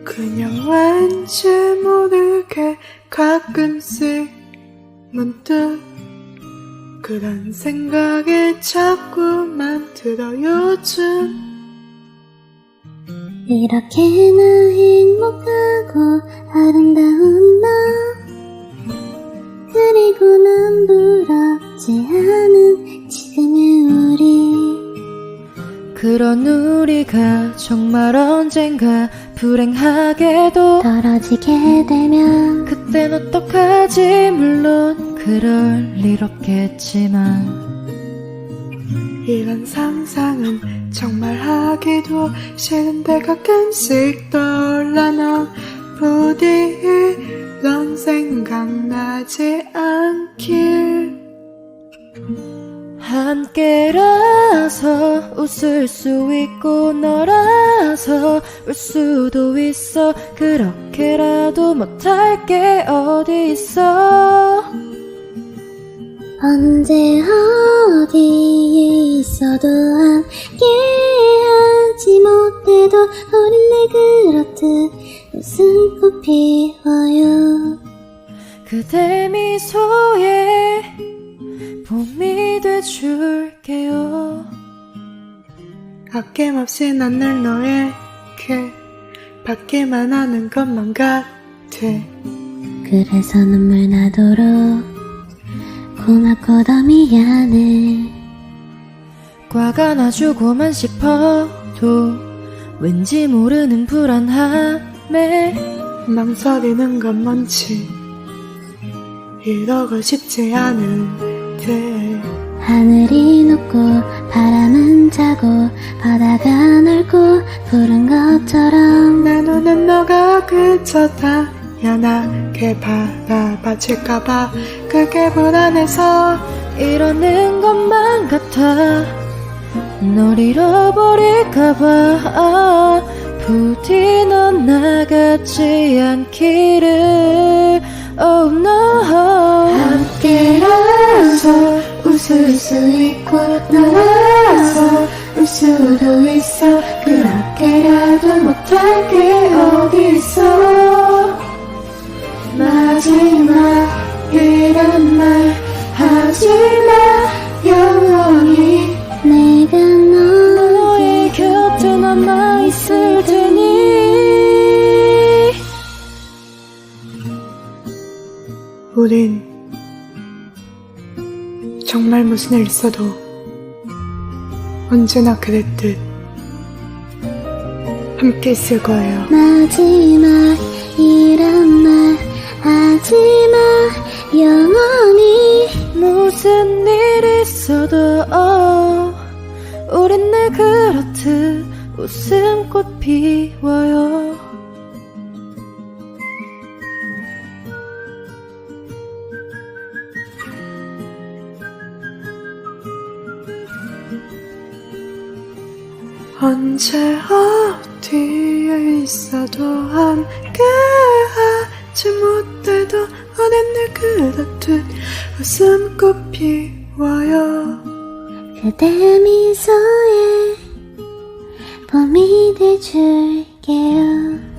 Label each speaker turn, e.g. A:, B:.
A: 그냥 왠지 모르게 가끔씩 문득 그런 생각이 자꾸만 들어 요즘.
B: 이렇게나 행복하고 아름다운 너, 그리고 난 부럽지 않은 지금의 우리.
C: 그런 우리가 정말 언젠가 불행하게도
B: 떨어지게 되면
C: 그땐 어떡하지. 물론 그럴 일 없겠지만
A: 이런 상상은 정말 하기도 싫은데 가끔씩 떠올라. 너 부디 이런 생각나지 않길.
C: 함께라서 웃을 수 있고 너라서 울 수도 있어. 그렇게라도 못할 게 어디 있어.
B: 언제 어디에 있어도 함께 하지 못해도 우린 늘 그렇듯 웃음꽃 피워요.
C: 그대 미소에 봄이 돼줄게요.
A: 아낌없이 난 늘 너에게 받기만 하는 것만 같아.
B: 그래서 눈물 나도록 고맙고 더 미안해.
C: 과가 나주고만 싶어도 왠지 모르는 불안함에
A: 망설이는 건 뭔지 이러고 싶지 않은데.
B: 하늘이 높고 바람은 차고 바다가 넓고 푸른 것처럼
A: 내 눈엔 너가 그저 당연하게 바라봐질까봐 그게 불안해서
C: 이러는 것만 같아. 널 잃어버릴까봐 부디 넌 나같지 않기를. Oh no.
B: 함께라서 웃을 수 있고 너라서 울 수도 있어. 그렇게라도 못할 게 어디 있어.
A: 마지막 이런 말 하지마. 영원히
B: 내가
C: 너의 곁에 남아있을 테니.
A: 우린 정말 무슨 일 있어도 언제나 그랬듯 함께 있을 거예요.
B: 마지막 이런 말 하지마. 영원히
C: 무슨 일 있어도 우린 늘 그렇듯 웃음꽃 피워요.
A: 언제 어디에 있어도 함께 하지 못해도 우린 늘 그렇듯 웃음꽃 피워요.
B: 그대 미소에 봄이 돼줄게요.